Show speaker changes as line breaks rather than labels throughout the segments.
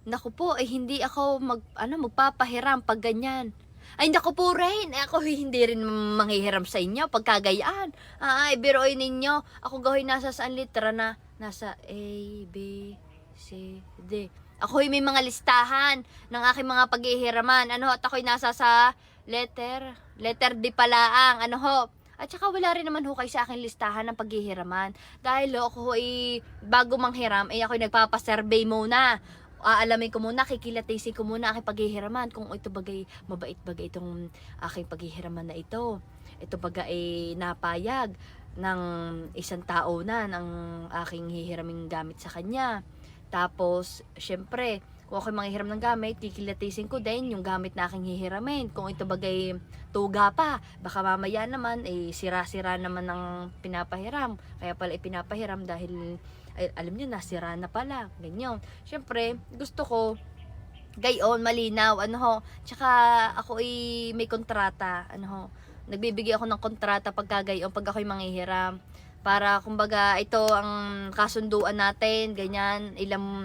Naku po, ay hindi ako magpapahiram pag ganyan. Ay, naku po rin. Ako hindi rin manghihiram sa inyo pagkagayaan. Ay, biruin ninyo. Ako gawin nasa saan litra na? Nasa A, B, C, D. Ako'y may mga listahan ng aking mga paghihiraman. At ako'y nasa sa letter D palaang. At saka wala rin naman ho kayo sa aking listahan ng paghihiraman. Dahil ako ay bago manghiram, ay ako'y nagpapasurvey muna. Aalamin ko muna, kikilatisin ko muna aking paghihiraman kung ito bagay, mabait bagay itong aking paghihiraman na ito. Ito bagay ay napayag ng isang tao na ng aking hihiraming gamit sa kanya. Tapos, syempre, kung ako'y manghihiram ng gamit, kikilatisin ko din yung gamit na aking hihiramin. Kung ito bagay tuga pa, baka mamaya naman, sira-sira naman ng pinapahiram. Kaya pala ipinapahiram dahil alam nyo, nasira na pala. Ganyan. Siyempre, gusto ko, gayon, malinaw, tsaka ako may kontrata, nagbibigay ako ng kontrata pag ako'y manghihiram. Para, kumbaga, ito ang kasunduan natin, ganyan,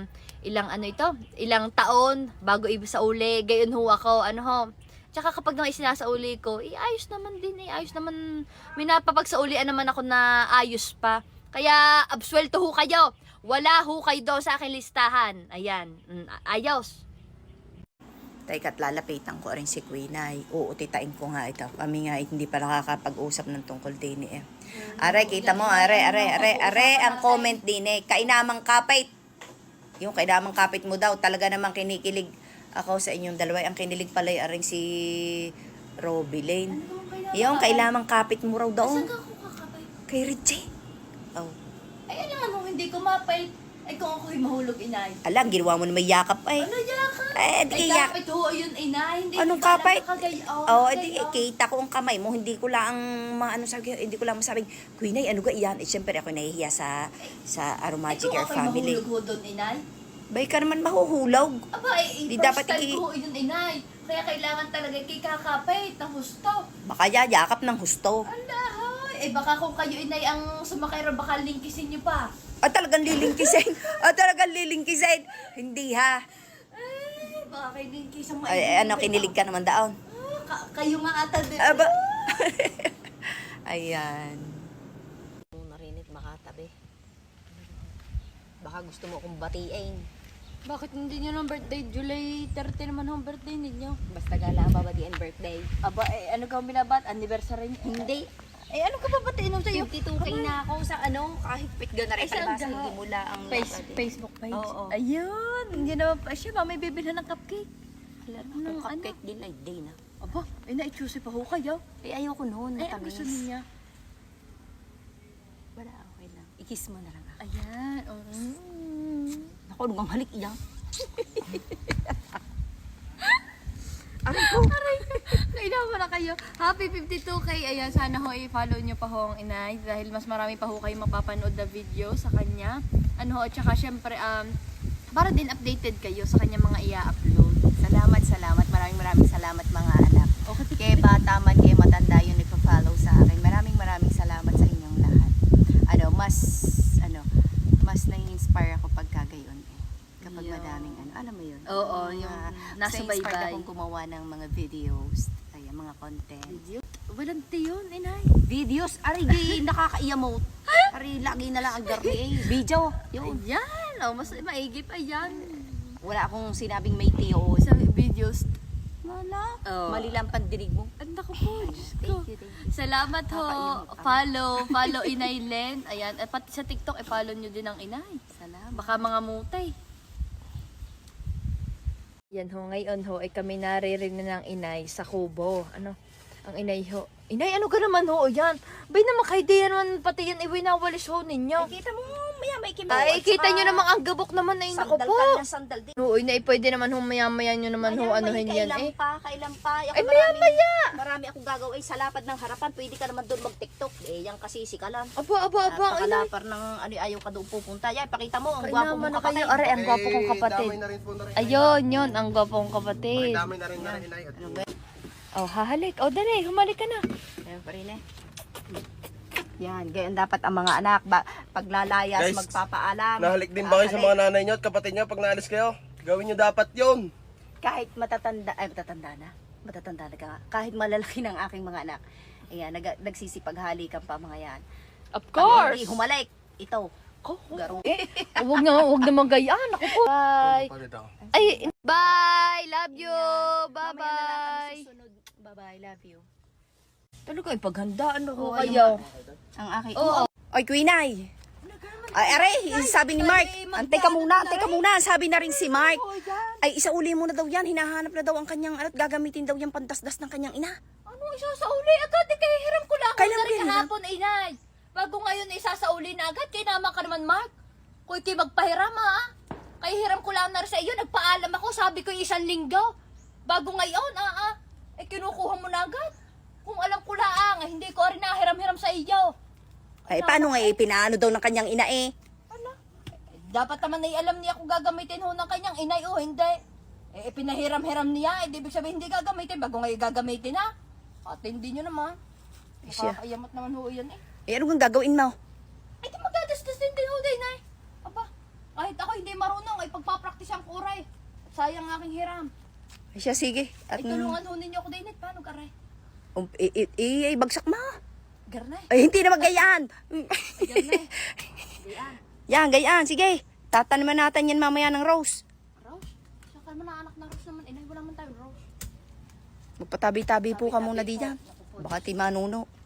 ilang taon, bago sa uli, gayon ho ako, Tsaka kapag nang isinasauli ko, ayos naman din, ayos naman, may napapagsaulian naman ako na ayos pa. Kaya, absuelto ho kayo. Wala ho kayo daw sa aking listahan. Ayan. Ayos.
Teka, lalapitan ko rin si Queen ay uutitain ko nga ito. Kami nga hindi pa nakakapag-usap ng tungkol din eh. Are, kita mo, are, ang comment din eh. Kainamang kapit. Yung kainamang kapit mo daw, talaga namang kinikilig ako sa inyong dalawa. Ang kinilig pala aring si Robbie Lane. Yung kainamang kapit mo raw daw.
Saan ka ako kakapay?
Kay Richie. Oh.
Ay, alam mo, hindi ko mapay. Ay, kung ako'y mahulog, inay.
Alam, ginawa mo na may yakap ay.
Ano yakap?
Di yak.
Kapit ho, yun, inay. Hindi
Anong
ko
kapit? Di
oh.
kita ko ang kamay mo, hindi ko lang hindi ko lang masabing, Queen ay, ano ga iyan? Siyempre ako nahihiya sa Aromagic Air Family.
Kung ako'y mahulog ho doon, inay.
Bay ka naman mahuhulog.
Aba,
Di
first
dapat
time ko yun, inay. Kaya kailangan talaga kakapit ng husto.
Baka yakap ng husto.
Alahoy. Baka kung kayo, inay, ang sumakay ro, baka lingkisin nyo pa.
Talagang lilingkisin. Talagang lilingkisin. Hindi ha.
Baka kayo lingkisin mo.
Kinilig ka naman daon.
Kayo nga ata din.
Aba. Ayan.
Narinig makatabi. Baka gusto mo akong batiin.
Bakit hindi nyo ng birthday? July 30 naman ang birthday ninyo.
Basta gala ang babatiin birthday.
Aba, ano ka binabat? Anniversary niyo?
Hindi.
Ano ka babatiin nung sa'yo?
52K na ako sa kahit pitga na rin.
saan
Palibasa,
ka?
hindi mo lang ang
Facebook page?
Oo.
Ayun. Hindi naman pa siya. May bibilhan ng cupcake.
Ang cupcake din ay day na.
Aba, na-choose pa ho kayo.
Ayoko noon.
Ay, ang gusto niya.
Wala, okay lang. I-kiss mo na lang ako.
Ayan.
Ako, nung halik iyang.
Kailangan na kayo. Happy 52K. Ayan, sana ho i-follow nyo pa ho ang inay. Dahil mas marami pa ho kayo mapapanood na video sa kanya. Tsaka syempre, para din updated kayo sa kanya mga i-upload.
Salamat. Maraming salamat mga anak.
Okay.
Kaya bata man, kaya matanda yung nagpa-follow sa akin. Maraming salamat sa inyong lahat. Mas nai-inspire ako pagka gayon eh. Kapag
Yeah.
madaming alam mo yun?
Oo, yung nasa
inspired
baybay.
akong gumawa ng mga videos, mga content.
Video? Walang yun, inay.
Videos, arigi, nakaka-emote. Ari, lagi na lang ang garni eh. Video, yun.
Ayan. Mas maigip. Ayan.
Wala akong sinabing may tiyo.
Sa videos.
Wala.
Oh.
Mali lang pandinig mo.
Ang naku po. Diyos ko.
Thank you.
Salamat ho.
Nakakaiyak
Follow Inay Len. Ayan. At pati sa TikTok, follow nyo din ang inay.
Salamat.
Baka mga mutay. Yan ho, ngayon ho, ay kami naririnig ng inay sa kubo. Ang inay ho. Inay, ano ka naman ho, yan? Bay naman kayo di naman pati yan iwinawalis ho ninyo.
Ay, kita mo, maya may kimo.
Ay, kita nyo namang ang gabok naman na
Sandal
ako po.
ka na sandal din.
Oo, inay, pwede naman ho, maya-maya nyo naman ho, anuhin yan eh.
Kailan pa.
Ay, maya-maya.
Marami akong gagawin sa lapad ng harapan. Pwede ka naman doon mag-tiktok. Yan kasi sikalan.
Aba, inay.
Pakalapar ng ayaw ka doon pupunta. Yan, pakita mo, ang gwapo
Naman
mong
na kayo.
kapatid.
Are, ang gwapo kong kapatid.
Damay na rin po na rin.
Ayun, yun, ang gwapo kong kapatid.
Damay na rin na rin, inay.
Oh, hahalik. Oh, dali, humalik ka na.
Ayan pa rin eh. Yan, ganyan dapat ang mga anak. Paglalayas,
Guys,
magpapaalam.
Nahalik din ba kayo sa mga nanay nyo at kapatid nyo pag naalis kayo? Gawin nyo dapat yon.
Kahit matatanda na ka, kahit malalaki ng aking mga anak. Ayan, nagsisipaghalikan pa mga yan.
Of
Pag
course.
hindi humalik, ito, garo.
Huwag naman gayaan. Ako po. Bye.
Palit ako.
Ay, bye. Love you.
Mamaya na lang
Bye-bye.
kami susunod. Bye-bye, love you.
Talaga, ipaghandaan ako
Oo,
kayo.
Ang aking...
Oo.
Oy, Queen Ay. Ay, aray, sabi ni Mark. Antay ka muna. Sabi na rin si Mark. Ay, isauli mo na daw yan. Hinahanap na daw ang kanyang at gagamitin daw yung pantasdas ng kanyang ina.
Ano isasauli agad? Kaya hiram ko lang.
Kailan
Kailan
mo yan hiram?
kahapon, inay. Bago ngayon isasauli na agad. Kaya naman ka naman, Mark. Kung ikay magpahiram, ha? Kaya hiram ko lang na rin sa iyo. Nagpaalam ako. Sabi ko 1 linggo. Bago ngayon, Eh, kinukuha mo na agad. Kung alam ko lang, hindi ko rin nahiram-hiram sa iyo.
Ay, paano nga pinaano daw ng kanyang ina eh?
Dapat naman ay alam niya kung gagamitin ho ng kanyang inay o hindi. Pinahiram-hiram niya. Di ibig sabihin hindi gagamitin. Bago ngayon gagamitin, ha? At hindi nyo naman.
Siya.
Nakakayamat naman ho yan, eh.
Eh, ano kang gagawin mo?
Ay, di magdadasdas din din ho din, eh. Aba, kahit ako hindi marunong, ay pagpapraktisan ko, Ray. Sayang ang aking hiram.
Ay, siya, sige.
Ay, tulungan ho ninyo ako din, eh. Paano, Aray?
Bagsak mo.
Garnay.
Ay, hindi na magayaan.
Garnay.
Yan, gayaan. Sige. Tataniman natin yan mamaya ng rose.
Rose? Saka naman na anak na Rose naman. Inay, wala man tayo, Rose.
Magpatabi-tabi po ka muna diyan. Baka ti manuno.